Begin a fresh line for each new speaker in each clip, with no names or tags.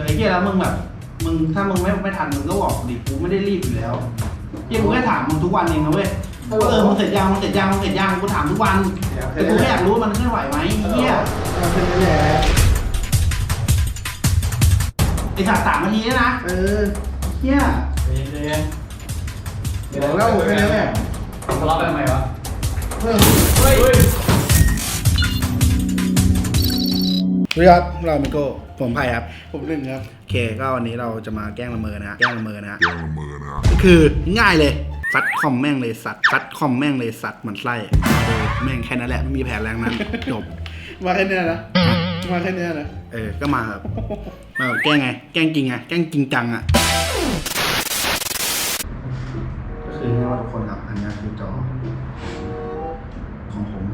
ไอ้เหี้ยแล้วมึงแบบมึงถ้ามึงไม่ทันมึงก็บอกดิกูไม่ได้รีบอยู่แล้วเหี้ยกูแค่ถามมึงทุกวันเองนะเว้ยมึงเสร็จยังมึงเสร็จยังมึงเสร็จยังกูถามทุกวันแต่กูแค่อยากรู้มันเคลื่อนไหวไหมเหี้ยไอ้สัตว์3 นาทีแล้วนะเหี้ย
เดี๋ยวเล่าแค่นี้แหละทะเลาะกันทำไมวะเฮ้ยสวัสดีครับเรามิโก้ผมไผ่ครับผมหนึ่งครับโอเคก็วันนี้เราจะมาแกล้งละเมอนะฮะก็คือง่ายเลยซัดคอมแม่งเลยสัตว์ซัดคอมแม่งเลยสัตว์เหมือนไส้แม่งแค่นั้นแหละไม่มีแผนแรงนั้นจบมาแค่นี้นะมาแค่นี้นะก็มาแบบแกล้งไงแกล้งจริงไงแกล้งจริงจังอ่ะก็คือง่ายว่าทุกคนครับอันนี้คือจอของผม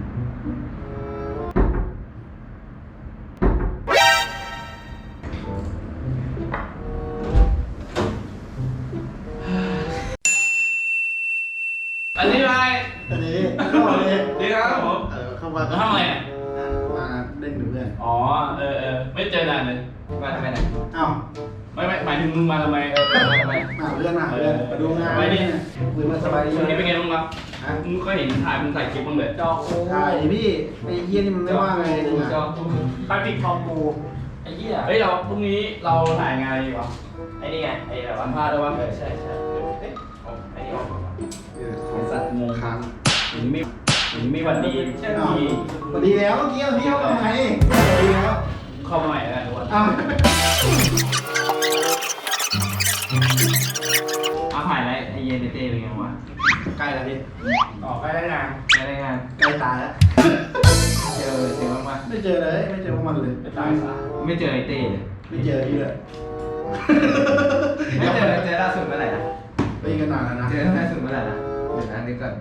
อันนี้อะไร
อันนี้เข้ามาเลย
ดีครับผม
เข้ามา
ทำอะไรเนี่ย
มาเล่นกับเพื่อน
อ๋อไม่เจอนานเลยมาทำไมเนี่ย
อ้าว
ไม่หมายถึงมึงมาทำไมมาทำไม
มาเพื่อนมาดูงานคุยมาสบายดี
ช่วงนี้เป็นไงบ้างครับมึงก็เห็นถ่ายมึงใส่คลิปบ้างเลยจอกู
ถ่ายพี่ไอ้เหี้ยนี่มันไม่ว่าไงนึงอ่ะ
จอกูใครปิดคอมกูไอ้เหี้ยเฮ้ยเราพรุ่งนี้เราถ่ายงานอะไรอยู่วะไอ้นี่ไงไอ้แบบวันพาด้วยวะใช่ไอ้นี่ออกมาไอ้สัตว์งง
ค้าง
ถึงไม่วันดีใช่ไหม
สวัสดีแล้วเมื่อกี้พี่เข้ามาไหมสวัสดีแล้ว
เข้ามาใหม่แล้วกันทุกคน
อ้าว
ถ่ายแล้วไอเย็นเต้เป็นไงวะ
ใกล้แล้วพี่
ใกล้ได้งานใกล้ได้งาน
ใกล้ตายแล้ว
เจอบ้างปะ
ไม่เจอเลยไม่เจอพวกมันเลย
ตายซะไม่เจอไอเต้เลย
ไม่เจอพี่เลย
ไม่เจอล่าสุดเมื่อไหร่นะ
ไปกันนานแล้วนะ
เจอล่าสุดเมื่อไหร่นะเดี๋ยวนะนึกก่อน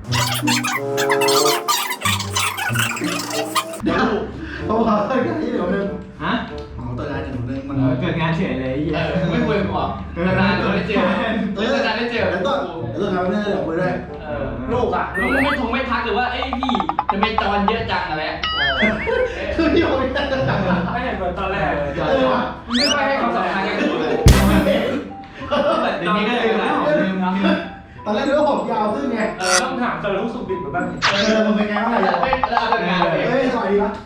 เดี๋ยวเขาขอเติมงานที่หนึ่งนึง
ฮะ
ขอเติมงานหนึ่งนึงมัน
เกิดงานเฉยเลยไม่คุยกันก่อนนานๆไม่เจอนานๆไม่เจอ
แล้วก็ทำเรื่องเดี๋ยวคุยด้วย
ลูกอ่ะลูกไม่ทักหรือว่าไอ้พี่จะไม่จอนเยอะจังอะไร
คือพี่เขาไม่ได้จัง
ไม่เห็นเหมือนตอนแรกไม่ค่อยให้ความสำคัญกับกูเลยเดี๋ยวนี้ก็เลยแล้วลืมนะ
ตอนแรกนึกว่าผมยาวขึ้นไง
ต้องถามเจอรู้สึกดิบแบบนี้
มันเป็นไงบ้างอะไร
แล้วเอางานเลย
เฮ้ยสวัสดีครับ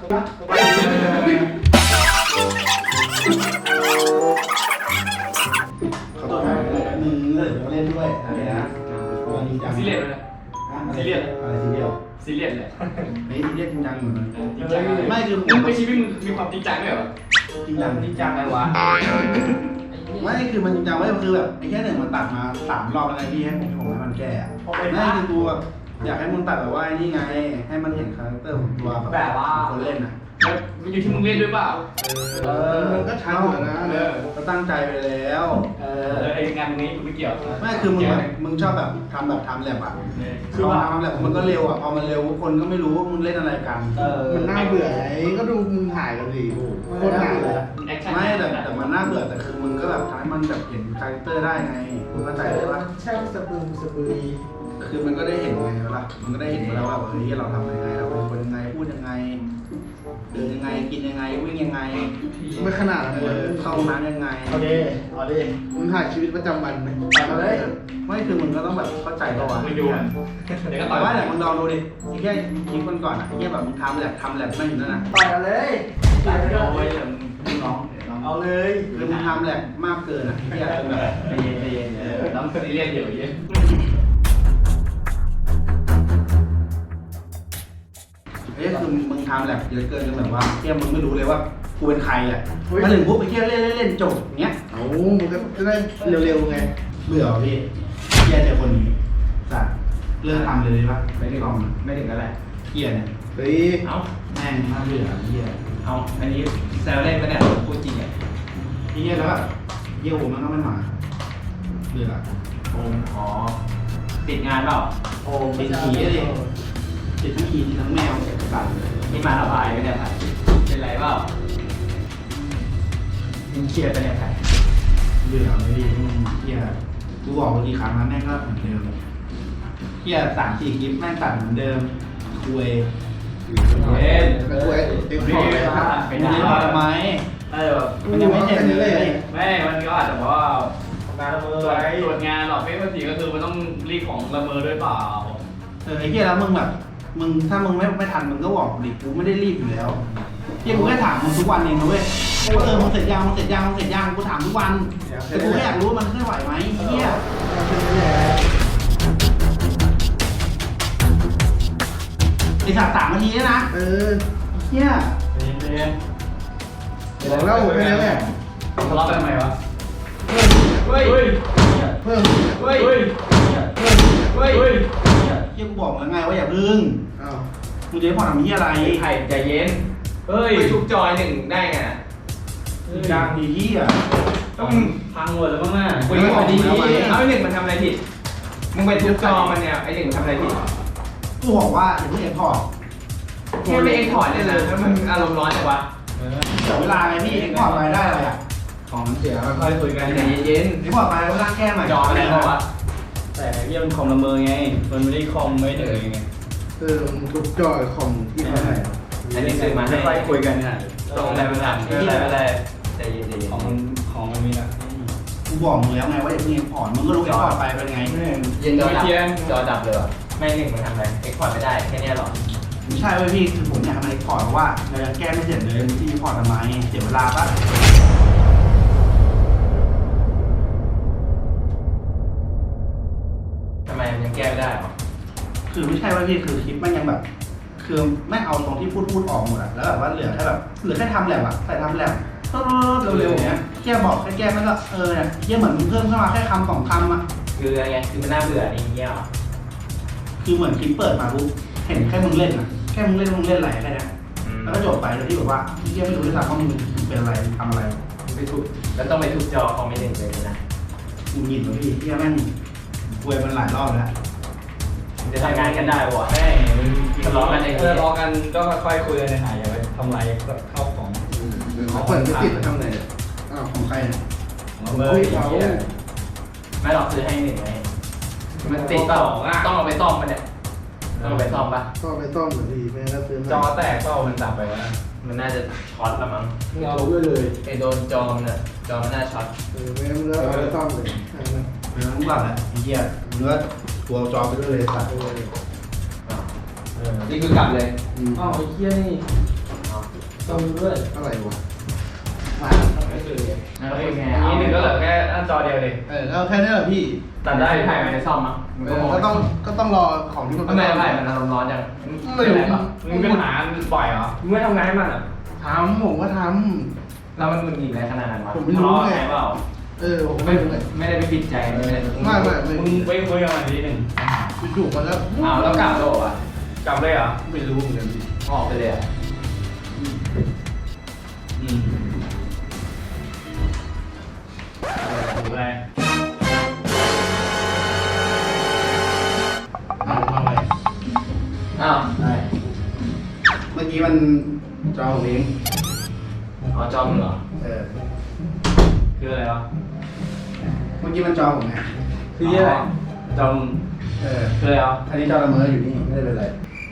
ขอโทษนะมึงเลยมาเล่นด้วยอะไรนะวันนี้จัง
ซีเรียสเลยซีเรียส
อะไรซีเรียส
ซีเรียสเลย
ไม่ซีเรียสจริงจังเหมือนกัน
จริงจังไม่คือมึงไปชีวิตมึงมีความจริงจังด้วยเหรอ
จริงจัง
จริงจังอะไรวะ
ไม่คือมันจริงจังไว้คือแบบไอ้แค่หนึ่งมันตัดมา3 รอบแล้วไงพี่ให้ผมให้มันแก้ไม่คือกูแบบอยากให้มึงตัดแบบว่านี่ไงให้มันเห็นคาแรคเตอร์ของตัวแบบคนเล่นอ่ะ
มันอยู่ที่มึงเล่นด้วยเปล่า
มันก็ชัดอยู่นะก็ตั้งใจไปแล้ว
ไอ้งานนี้กูไม่เกี่ยว
ไม่คือมึงแบบมึงชอบแบบทำแลบอ่ะคือว่าทำแลบมันก็เร็วอ่ะพอมันเร็วคนก็ไม่รู้ว่ามึงเล่นอะไรกัน
มันน่าเบื่อไอ้ก็ดูมึงถ่ายกันดิโคตรน่าเบื่อ
ไม่แต่มันน่าเบื่อแต่คือมึงก็แบบทำให้มันแบบเห็นคาแรคเตอร์ได้ไงมึงเข้าใจได้ปะ
ช่างสะบือ
คือมันก็ได้เห็นไงเวลามันก็ได้เห็นแล้วว่าเฮ้ยเราทำยังไงเราเป็นคนยังไงพูดยังไงเดินยังไงกินยังไงวิ่งยังไง
ไม่ขนาดนั้นเลย
เข้าห้องน้ำยังไง
เอาดิมึงถ่ายชีวิตประจำวันไหมเอาเลย
ไม่คือมึงก็ต้องแบบเข้าใจตัว
ไม่ดูเดี๋ยวก็ต่
แต่
อย
ว่าเนี่ยมึงลองดูดิไอ้แค่คลิปก่อนอ่ะไอ้แค่แบบมึงทำแลบไม่อยู่นั่นน่ะ
ต่อยเอาเลย
ต่อยไปเลยน้อง
เอาเลย
คือมึงทำแลบมากเกินอ่ะไอ้แค่จนแบบ
ใจเย็นน้องซีเรียสอยู่เยอะ
ไอ้คือมึงทำแลบเยอะเกินจนแบบว่าแค่มึงไม่รู้เลยว่ากูเป็นใครอ่ะมาถึงปุ๊บไอ้แค่เล่นจบอย่างเงี้ย
เอามึงก็จะได้เร็วๆไง
เบื่อพี่เกียร์เจอคนนี้สัตว์เลิกทำเลยปะไม่ได้ลอง
ไม่ถึงกันแหละ
เกียร์เนี่ย
เฮ้ย
เอ้า
แม่งน่าเบื่อเกียร์
เอาอันนี้แซวเล่นปะเนี่ยพูดจริงอ่ะ
เกียร์แล้วแบบเยี่ยวมันก็ไม่มาเบื่อ
โอมอ๋อติดงานเปล่า
โอ้
เป็นผีเลยติดทั้งผีติดทั้งแมวสัตว์
นี่มาระบายไปเนี่ยครับเป็นไรเปล่ามึงเครียดไปเนี่ยครับ
เบื่อเลยดิมึงเกียร์กูบอกไปกี่ครั้งแล้วแม่งก็เหมือนเดิมเกียร์3-4 คลิปแม่งตัดเหมือนเดิมคุย
เย็น
กระช่วยเต็มที่เลยครับ
ไม่ได้พอทำไม
ได้แบบ
มันยังไม่เสร็จเลย
ไม่มันก็อาจจะบอกว่า
การละเมอ
ตรวจ
ไว้
ตรวจงานหรอกไม่ปกติก็คือมันต้องรีบของละเมอด้วยเปล่า
ไอ้เหี้ยแล้วมึงแบบมึงถ้ามึงไม่ทันมึงก็บอกดิกูไม่ได้รีบอยู่แล้วเหี้ยกูแค่ถามมึงทุกวันเองนะเว้ยว่ามึงเสร็จยังมึงเสร็จยังมึงเสร็จยังกูถามทุกวันแต่กูแค่อยากรู้ว่ามันเคลื่อนไหวไหมเหี้ยไอ้สัตว์3 นาทีแล้วนะเหี้ย
เย็น
บอกแล้วไปแล้วแหละ
ทะเลาะกันทำไมวะเฮ้ย
เพิ่ม
เฮ้ยเฮ้ยเฮ้ย
เหี้ยกูบอกแล้วไงว่าอย่าพึ่ง
อ้าว
มึงจะให้ผ่อนทำเหี้ยอะไร
ไข่ใจเย็นเฮ้ยไปทุบจอยหนึ่งได้ไง
จางดีเหี้ย
ต้องพังหมดแล้วมั้งน่ะ
คุยกันดี
เอาไอ้หนึ่งมันทำอะไรผิดมึงไปทุบจอมันเนี่ยไอ้หนึ่งมันทำอะไรผิด
กูบอกว่าอย่าเพิ่งเอ็กพอร์ต
แค่ไม่เอ็กพอร์ตเนี่ยนะแล้วมันอารมณ์ร้อนจังวะ
เสียเวลาไงพี่เอ็กพอร์ตไปได้อะไรอ่ะ
ของมันเสียแล้ว
ค่อยคุยกันใจเย็น
เอ็กพอร์ตไปแล้วร่างแก้ใหม่
จออะไรเขาวะแต่เยี่ยมคอมละเมอไงมันไม่ได้คอมไม่เหนื่อยไง
มึงทุบจอยคอมที่เท่าไหร่
อันนี้ซื้อมาค่อยคุยกันนะตรงอะไรไม่ได้ไม่ได้ใจเย็นของมันมีนะ
กูบอกมึงแล้วไงว่าอย่าเพิ่งเอ็กพอร์ตมึงก็รู้เอ็กพอร์ตไปเป็นไง
เย็นจอดับเลยว่ะไม่หนึ่งมันทำอะไรเอ็กพอร์ตไม่ได้แค่นี้หรอ
ไม่ใช่เว้ยพี่คือผมอยากทำเอ็กพอร์ตเพราะว่าเรายังแก้ไม่เสร็จเลยพี่เอ็กพอร์ตทำไมเสียเวลาปะ
ทำไมมันยังแก้ไม่ได้หรอ
คือไม่ใช่ว่าพี่คือคลิปมันยังแบบ คือไม่เอาตรงที่พูดออกหมดอะแล้วแบบว่าเหลือแค่แบบเหลือแค่ทำแลบอะใส่ทำแลบเร็วๆอย่างเงี้ยแค่บอกแค่แก้มันก็เนี่ยเยี่ยเหมือนมึงเพิ่มเข้ามาแค่คำ2 คำอะ
คืออะไรไงคือมันน่าเบื่อนี่เงี้ยหรอ
คือเหมือนคลิปเปิดมาปุ๊บเห็นแค่มึงเล่นอะแค่มึงเล่นอะไรแค่นี้แล้วก็จบไปโดยที่แบบว่าเยี่ยไม่รู้ด้วยซ้ำว่ามึงเป็นอะไรทำอะไร
ไปทุบแล้วต้องไปทุบจอคอมไม่หนึ่งเลยนะ
มึงหยิบเลยพี่เยี่ยแม่งคุยมันหลายรอบแล้ว
จะทำงานกันได้ปะให้ทะเลาะกันเองทะเลาะกันก็ค่อยๆคุยกันในหายอย่าไปทำลายเข้าของ
เขาเปิดไม่ติดทำไหน
อ้าวของใครเนี่ย
เมื่อไม่หรอกคือให้หนึ่งไงมันติดเปล่าต้องเอาไปซ่อมมันเนี่ยต้องเอาไปซ่อมปะ
ก็ไปซ่อมเหมือนดีแม่ก็ซื้อ
จอแตกเปล่ามันดับไปวะมันน่าจะช็อตละมั้ง
เอาด้วยเลย
ไอโดนจอมันน่ะจอมันน่าช็อต
แม่เลือกเอาไปซ่อมเลย
เป็นน้ำกลับแหละไอ้เหี้ยเนื้อตัวจอไปด้วยเลยสัตว์
นี่คือกลับเลยอ้าวไอ้เหี้ยนี่ซ่อมด้วย
อะไรวะ
ไม่คือแล้วเป็นไงนี่หนึ่งก็เหลือแค่หน้าจอเดียวเลย
ก็แค่นี้แหละพี่
ตัดได้ถ่ายไปในซ่อมมั้ง
ก็ต้องรอของที่มัน
ทำไมถ่ายมันอารมณ์ร้อนจังไม่รู้มึงเป็นหาบ่อยเหรอมึงไม่ทำงานให้มันอ่ะ
ทำผมก็ท
แล้วมันมึงหนีอะไรขนาดนั้นวะ
ผมไม่รู้ไง
เปล่า
ำผม
ไม่
ไม่รู้เลย
ไม่ได้ไปปิดใจไม่ได้
ไม่
มึงไปคุยกับมันนิดนึง
จู่ๆมันก็
อ้าวแล้วกลับโลกอ่ะกลับเลยเหรอ
ไม่รู้เหมือนกันพี่
ออกไปเลยอ่ะดูอะไร
ทำไม
อ้าว
ได้เมื่อกี้มันจอผมเอง
อ๋อจอมเหรอ คืออะไรวะ
เมื่อกี้มันจอผมไง
คืออะไรจอมคืออะไรวะ
อันนี้จอละเมออยู่นี่ไม่ได้เป็นไร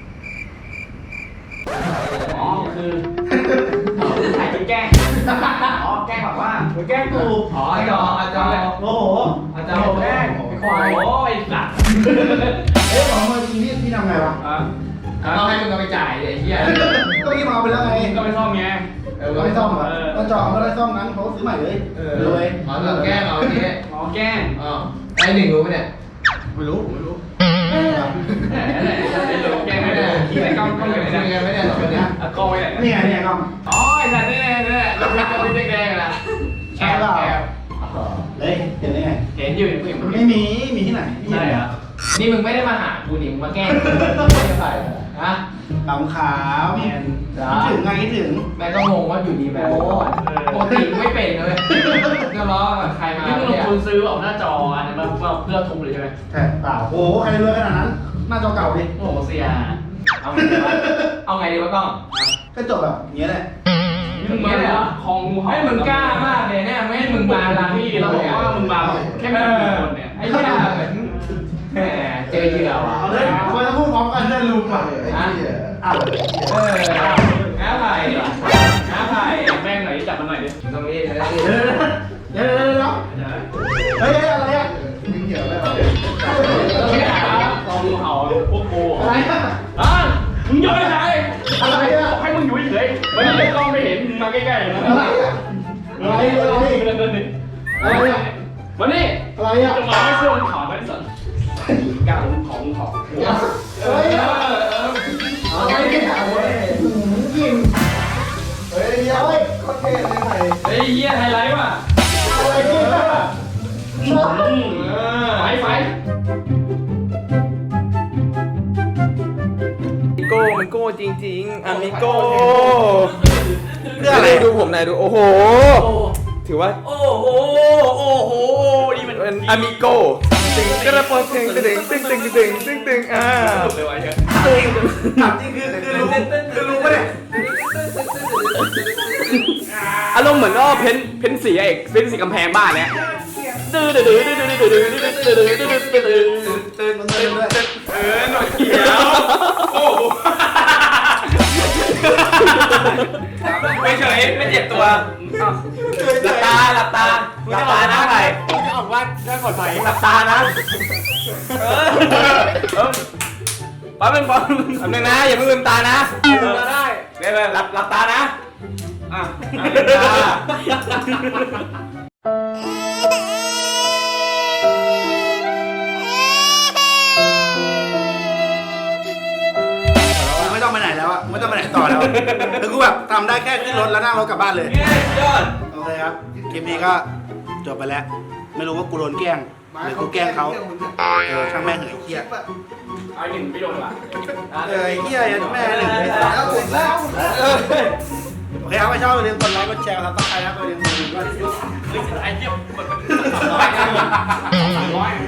อ๋อคือถ่ายเป็นแกล้งอ๋อแกล้งแบบว่าแกล้งกูอ๋อจอโอ้โหจอแกล้งควายโอ้ยสัตว์
เอ๊ะของมือจริงพี่ทำไงวะ
ต้องให้มึงเอาไปจ่ายไอ้เหี้ย
ก็พี่มาเอาไปแล้วไง
ก็ไปซ่อมไง
ก็ไม่ซ่อมอ่ะก็จอก็ได้ซ่อมงั้นเขาซื้อใหม่เลยเลย
อ๋อเราแกล้งเราทีนี้อ๋อแกล้งอ๋อไอ้หนึ่งรู้ไหมเนี่ย
ไม่รู้ผมไม่รู้
ไอ้หนูแกล้งไม่ได้ที่ไหนกล้องอยู่ไหนเนี่ยไม่ได้หรอกเนี่ยกล้องไว้ไหน
เนี่ยครับ
อ๋อไอ้สัตว์นี่เราเป็นแดงๆนะแอบ
เลยเห็นได้ไง
เห็นอยู่เห็น
ไม่มีที่ไหน
ใช่เหรอนี่มึงไม่ได้มาหากูนี่มึงมาแกล้งไม่ได้ใส่ฮะ
ขาวขาวคิดถึงไงคิดถึง
แม่ก็งงว่าอยู่ดีแบบปกติไม่เป็นเลยก็ล้อกับใครมาที่มึงลงทุนซื้อออกหน้าจออันนี้มาเพื่อทุบเลยใช่ไหม
ใช่เปล่าโอ้ใครรวยขนาดนั้นหน้าจอเก่าดิ
โอ้โหเสียเอาไงดีวะเอาไงดีวะกล้อง
ก็จบแบบนี้แหละ
มึงมาเลยคองงูเห่าให้มึงกล้ามากเลยเนี่ยไม่ให้มึงมาร้านพี่เราบอกว่ามึงมาแค่ไม่กี่คนเนี่ยไอ้เหี้ยเหมือนแหมเจอเหยื่อว่ะ
เอาเลยควรจะพูดพอร้องกันเรื่องลุงอ่ะ
น้าไผ่น้าไผ่แม่งหน่อยจับมันหน่อยดิตรงนี้
เดี๋ยวเฮ้ยอะไรอ่ะมึงเหี่ยวแล้ว
กองเผาพวกกู
อะไรอ่ะ
มึงย้อยไหน
อะไรอ่ะ
ให้มึงอยู่เฉยไม่ได้กล้องไม่เห็นมึงมาใกล้ๆเลย
อะไรอ่ะอะไรอะไร
เดินดิ
อะไรอ่ะ
มานี่
อะไรอ่ะ
จะมาไม่เชื่อมึงถอนไว้สันกลางของ
อะไรอ่ะอะไรเนี่ยโอ้ยยิงเฮ้ยเดี๋ยวโคตรเท่เลยไผ่
เฮ้ยเหี้ยไฮไลท์ว่ะ
อะไรเนี่ย
ไฟ
โก้มันโก้จริงๆอามิโก้
เรื่องอะไร
ดูผมหน่อยดูโอ้โห ถือว่า
โอ้โหนี่มัน
เป็นอามิโก้ตึงกระโปรงตึงตึงตึงตึงตึงตึงตึง
เลยว่ะเยอะ
ถามจริงคือรู้ปะเนี่ย
อารมณ์เหมือนก็เพ้นสีเอกเพ้นสีกำแพงบ้านเนี้ยตื้อตื้อตื้อตื้อตื้อตื้อตื้อตื้อตื้อตื้อตื้อ
ตื่นด้วย
หน่อยเขียวโอ้ไม่เฉยไม่เจ็บตัวหลับตาหลับตามึงจะออกนะไปมึงจะออกว่าได้ปลอดภัยหลับตานะ
ป๊อปเป็นป๊อปทำหนึ่งนะอย่าเพิ่งลืมตานะ
ได้หลับตานะ
ไม่ต้องไปไหนแล้วอะไม่ต้องไปไหนต่อแล้วคือกูแบบทำได้แค่ขึ้นรถแล้วนั่งรถกลับบ้านเลย
ยอด
โอเคครับ คลิปนี้ก็จบไปแล้ว ไม่รู้ว่ากูโดนแกล้งหรือกูแกล้งเขาช่างแม่งเหยเหี้ย
ไอ้หนึ่งไม่โดนหรอ
ไอ้เหี้ยยันแม่หนึ่งเลย
แล้วเสร็จแล้ว
โอเคครับใครชอบอย่าลืมกดไลค์กดแชร์ครับต้องใครครับอย่าลืมกดกระดิ่งด้วย
ไอ้เหี้ยมัน300